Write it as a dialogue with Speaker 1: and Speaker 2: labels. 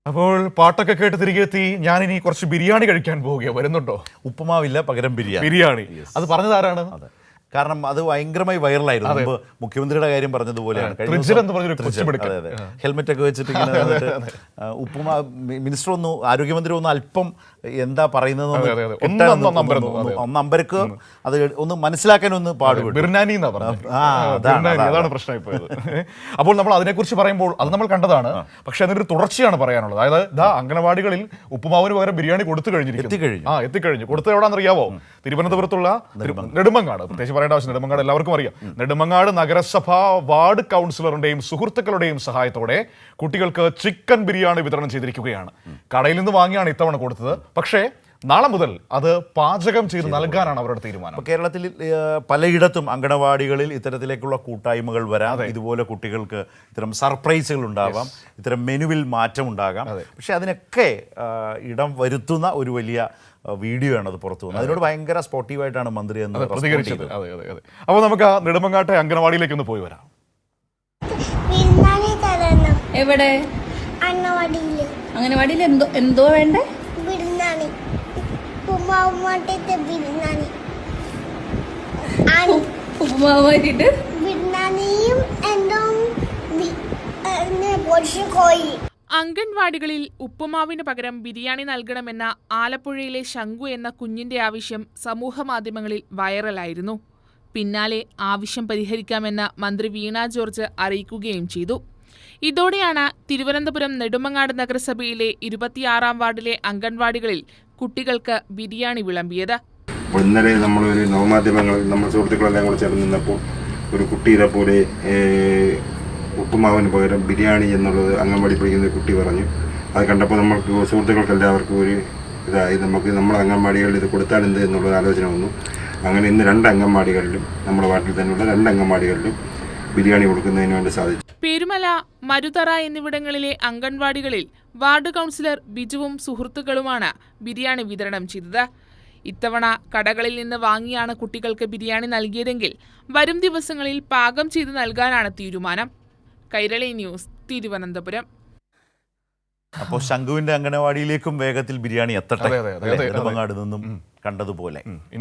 Speaker 1: അപ്പോൾ പാട്ടൊക്കെ കേട്ട് തിരികെ എത്തി. ഞാനിനി കുറച്ച് ബിരിയാണി കഴിക്കാൻ പോവുകയാണ്. വരുന്നുണ്ടോ?
Speaker 2: ഉപ്പുമാവില്ല, പകരം
Speaker 1: ബിരിയാണി. അത് പറഞ്ഞതാരാണ്?
Speaker 2: കാരണം അത് ഭയങ്കരമായി വൈറലായിരുന്നു. മുമ്പ് മുഖ്യമന്ത്രിയുടെ കാര്യം പറഞ്ഞതുപോലെയാണ്. ഹെൽമെറ്റ് ഒക്കെ വെച്ചിട്ട് ഉപ്പുമാ മിനിസ്റ്റർ ഒന്ന് ആരോഗ്യമന്ത്രി ഒന്ന് അല്പം എന്താ പറയുന്നത് ഒന്നമ്പരക്ക് അത് ഒന്ന് മനസ്സിലാക്കാൻ ഒന്ന് പാടുപെട്ടു.
Speaker 1: അപ്പോൾ നമ്മൾ അതിനെക്കുറിച്ച് പറയുമ്പോൾ അത് നമ്മൾ കണ്ടതാണ്. പക്ഷെ അതിനൊരു തുടർച്ചയാണ് പറയാനുള്ളത്. അതായത് അംഗനവാടികളിൽ ഉപ്പുമാവിന് പകരം ബിരിയാണി കൊടുത്തു എത്തിക്കഴിഞ്ഞു. കൊടുത്തത് എവിടെയാണെന്നറിയാവോ? തിരുവനന്തപുരത്തുള്ള നെടുമങ്ങാട്. പ്രത്യേകിച്ച് പറയേണ്ട ആവശ്യം, നെടുമങ്ങാട് എല്ലാവർക്കും അറിയാം. നെടുമങ്ങാട് നഗരസഭ വാർഡ് കൗൺസിലറുടെയും സുഹൃത്തുക്കളുടെയും സഹായത്തോടെ കുട്ടികൾക്ക് ചിക്കൻ ബിരിയാണി വിതരണം ചെയ്തിരിക്കുകയാണ്. കടയിൽ നിന്ന് വാങ്ങിയാണ് ഇത്തവണ കൊടുത്തത്. പക്ഷേ നാളെ മുതൽ അത് പാചകം ചെയ്ത് നൽകാനാണ് അവരുടെ തീരുമാനം.
Speaker 2: കേരളത്തിൽ പലയിടത്തും അങ്കണവാടികളിൽ ഇത്തരത്തിലേക്കുള്ള കൂട്ടായ്മകൾ വരാം. ഇതുപോലെ കുട്ടികൾക്ക് ഇത്തരം സർപ്രൈസുകൾ ഉണ്ടാവാം, ഇത്തരം മെനുവിൽ മാറ്റം ഉണ്ടാകാം. പക്ഷെ അതിനൊക്കെ ഇടം വരുത്തുന്ന ഒരു വലിയ വീഡിയോ ആണ് അത് പുറത്തു വന്നത്. അതിനോട് ഭയങ്കര സ്പോർട്ടീവായിട്ടാണ് മന്ത്രി എന്ന് പ്രതികരിച്ചത്.
Speaker 1: അപ്പോൾ നമുക്ക് ആ നെടുമങ്ങാട്ടെ അംഗനവാടിയിലേക്ക് ഒന്ന് പോയി വരാം.
Speaker 3: എവിടെ? അംഗനവാടിയിൽ എന്തോ വേണ്ടേ?
Speaker 4: അംഗൻവാടികളിൽ ഉപ്പുമാവിന് പകരം ബിരിയാണി നൽകണമെന്ന ആലപ്പുഴയിലെ ശങ്കു എന്ന കുഞ്ഞിന്റെ ആവശ്യം സമൂഹമാധ്യമങ്ങളിൽ വൈറലായിരുന്നു. പിന്നാലെ ആവശ്യം പരിഹരിക്കാമെന്ന് മന്ത്രി വീണ ജോർജ് അറിയിക്കുകയും ചെയ്തു. ഇതോടെയാണ് തിരുവനന്തപുരം നെടുമങ്ങാട് നഗരസഭയിലെ 26-ാം വാർഡിലെ അംഗൻവാടികളിൽ കുട്ടികൾക്ക് ബിരിയാണി വിളമ്പിയത്.
Speaker 5: ഇന്നലെ നമ്മളൊരു നവമാധ്യമങ്ങളിൽ നമ്മൾ സുഹൃത്തുക്കളെല്ലാം കൂടെ ചേർന്ന് നിന്നപ്പോൾ ഒരു കുട്ടിയുടെ പോലെ ഉപ്പുമാവിന് പകരം ബിരിയാണി എന്നുള്ളത് അംഗൻവാടി പഠിക്കുന്ന കുട്ടി പറഞ്ഞു. അത് കണ്ടപ്പോൾ നമ്മൾക്ക് സുഹൃത്തുക്കൾക്ക് എല്ലാവർക്കും ഒരു ഇതായി, നമ്മുടെ അംഗൻവാടികളിൽ ഇത് കൊടുത്താൽ എന്ത് എന്നുള്ളൊരു ആലോചന വന്നു. അങ്ങനെ ഇന്ന് 2 അംഗൻവാടികളിലും നമ്മുടെ വാർഡിൽ തന്നെയുള്ള 2 അംഗൻവാടികളിലും ബിരിയാണി കൊടുക്കുന്നതിന് വേണ്ടി സാധിച്ചു.
Speaker 4: പെരുമല, മരുതറ എന്നിവിടങ്ങളിലെ അംഗൻവാടികളിൽ വാർഡ് കൗൺസിലർ ബിജുവും സുഹൃത്തുക്കളുമാണ് ബിരിയാണി വിതരണം ചെയ്തത്. ഇത്തവണ കടകളിൽ നിന്ന് വാങ്ങിയാണ് കുട്ടികൾക്ക് ബിരിയാണി നൽകിയതെങ്കിൽ വരും ദിവസങ്ങളിൽ പാകം ചെയ്ത് നൽകാനാണ് തീരുമാനം. കൈരളി ന്യൂസ്, തിരുവനന്തപുരം.
Speaker 2: അപ്പോൾ ശംഖുവിന്റെ അംഗനവാടിയിലേക്കും വേഗത്തിൽ ബിരിയാണി എത്തട്ടെ, നെടുമങ്ങാട് നിന്നും കണ്ടതുപോലെ.